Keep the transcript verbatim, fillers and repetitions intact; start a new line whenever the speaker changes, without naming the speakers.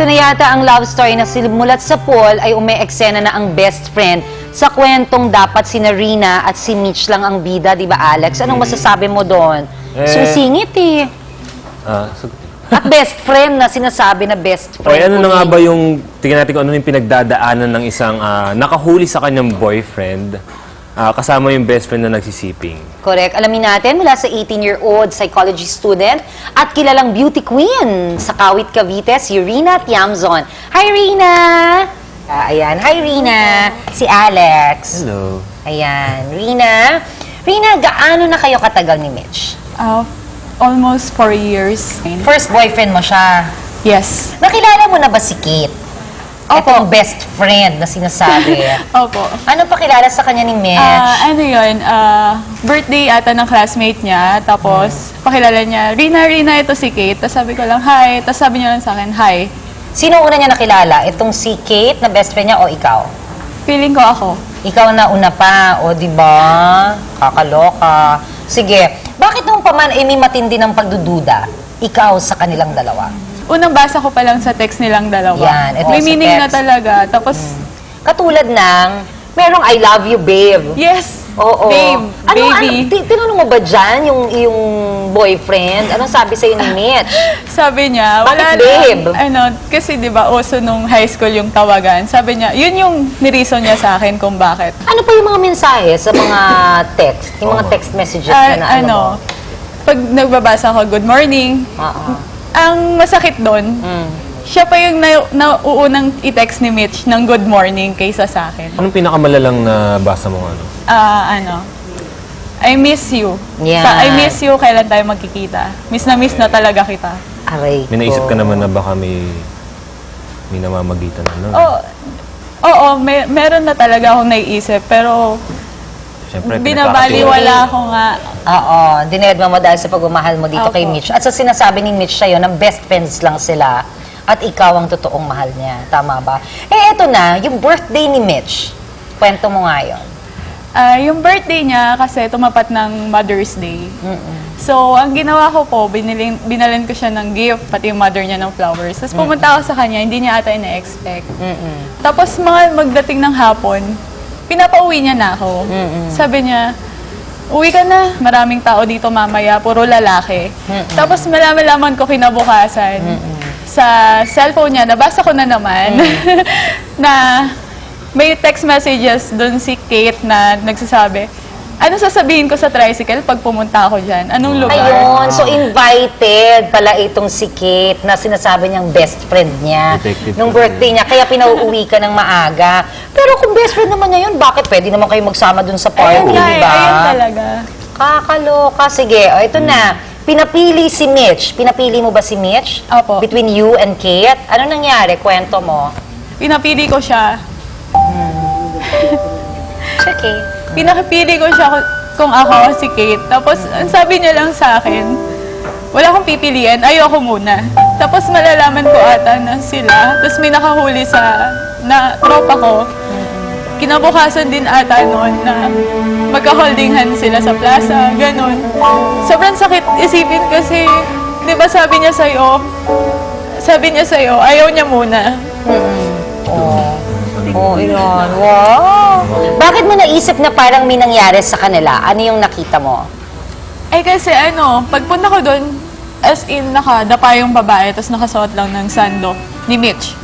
Ito na yata ang love story na simulat sa Paul ay ume-eksena na ang best friend sa kwentong dapat si Rina at si Mitch lang ang bida, di ba Alex? Anong masasabi mo doon?
Eh,
Susingit eh.
Ah, so,
At best friend na sinasabi na best
o,
friend.
ano
ko
na nga
rin.
ba yung, tingnan natin kung ano yung pinagdadaanan ng isang ah, nakahuli sa kanyang boyfriend, ah, kasama yung best friend na nagsisiping.
Correct. Alamin natin mula sa eighteen-year-old psychology student at kilalang beauty queen sa Kawit, Cavite, si Rina Tiamzon. Hi, Rina! Ah, ayan. Hi, Rina. Si Alex.
Hello.
Ayan. Rina. Rina, gaano na kayo katagal ni Mitch?
Uh, almost four years.
First boyfriend mo siya.
Yes.
Nakilala mo na ba si Kate?
Opo.
Itong best friend na sinasabi.
Opo.
Ano pakilala sa kanya ni Mitch?
Ah, ano yun, ah, birthday ata ng classmate niya, tapos pakilala niya, Rina, Rina, ito si Kate. Tapos sabi ko lang, hi. Tapos sabi niya lang sa akin, hi.
Sino una niya nakilala? Itong si Kate na best friend niya o ikaw?
Feeling ko ako.
Ikaw na una pa, o di ba? Kakaloka. Sige, bakit nung paman ay may matindi ng pagdududa? Ikaw sa kanilang dalawa.
Unang basa ko pa lang sa text nilang dalawa.
Yan, ito
May
sa
meaning na
text.
talaga. Tapos,
Katulad ng, merong I love you, babe.
yes,
Oo.
babe,
Ano,
baby.
ano, ti- tinanong mo ba dyan yung, yung boyfriend? Anong sabi sa'yo ni Mitch?
Sabi niya, wala
Bakit, babe?
lang. Ano, kasi di ba, uso nung high school yung tawagan. Sabi niya, yun yung nirison niya sa akin kung bakit.
Ano pa yung mga mensahe sa mga text? Yung mga text messages
Ah,
na, na ano,
ano,
mo?
pag nagbabasa ko, good morning,
Oo.
ang masakit doon,
Mm.
siya pa yung na, nauunang i-text ni Mitch ng good morning kaysa sa akin.
Anong pinakamalalang na basa mo ano?
Ah, ano, I miss you.
Yan.
Sa I miss you, kailan tayo magkikita? Miss na miss na talaga kita.
Aray
May naisip
ko.
ka naman na baka may may namamagitan ano?
Oo, oo, may, meron na talaga akong naiisip, pero
Siyempre,
binabaliwala ko nga.
Oo, dinedma mo dahil sa pagmamahal mo dito
Opo.
kay Mitch. At sa sinasabi ni Mitch sa'yo, na best friends lang sila at ikaw ang totoong mahal niya. Tama ba? Eh, eto na, yung birthday ni Mitch. Kwento mo nga yun.
Ah, yung birthday niya kasi tumapat ng Mother's Day. So, ang ginawa ko po, binilin, binalin ko siya ng gift, pati yung mother niya ng flowers. Tapos pumunta ako sa kanya, hindi niya ata ina-expect. Tapos mga magdating ng hapon, pinapauwi niya na ako. Sabi niya, uwi ka na, maraming tao dito mamaya, puro lalaki. Tapos malaman-laman ko kinabukasan, sa cellphone niya, nabasa ko na naman, na may text messages doon si Kate na nagsasabi, ano sasabihin ko sa tricycle pag pumunta ako dyan? Anong lugar?
Ayun, so invited pala itong si Kate na sinasabi niyang best friend niya
Detective
nung
ko
birthday niya, kaya pinauuwi ka ng maaga. Pero kung best friend naman niya yun, bakit pwede naman kayo magsama dun sa party,
Ayun nga
di
eh,
ba?
ayun talaga.
Kakaloka. Sige, o ito na. Pinapili si Mitch. Pinapili mo ba si Mitch?
Opo.
Between you and Kate? Ano nangyari? Kwento mo.
Pinapili ko siya.
It's okay.
Pinakipili ko siya kung- kung ako si Kate. Tapos, ang sabi niya lang sa akin, wala akong pipilian, ayoko muna. Tapos malalaman ko ata na sila. Tapos may nakahuli sa na tropa ko. Kinabukasan din ata noon na magka-holding hands sila sa plaza, ganun. Sobrang sakit isipin kasi, di ba sabi niya sa'yo, sabi niya sa'yo, ayaw niya muna.
Oh, yun. Wow. Bakit mo naisip na parang may nangyari sa kanila? Ano yung nakita mo?
Eh kasi ano, pagpunta ko doon, as in nakadapa yung babae, tapos nakasuot lang ng sando ni Mitch.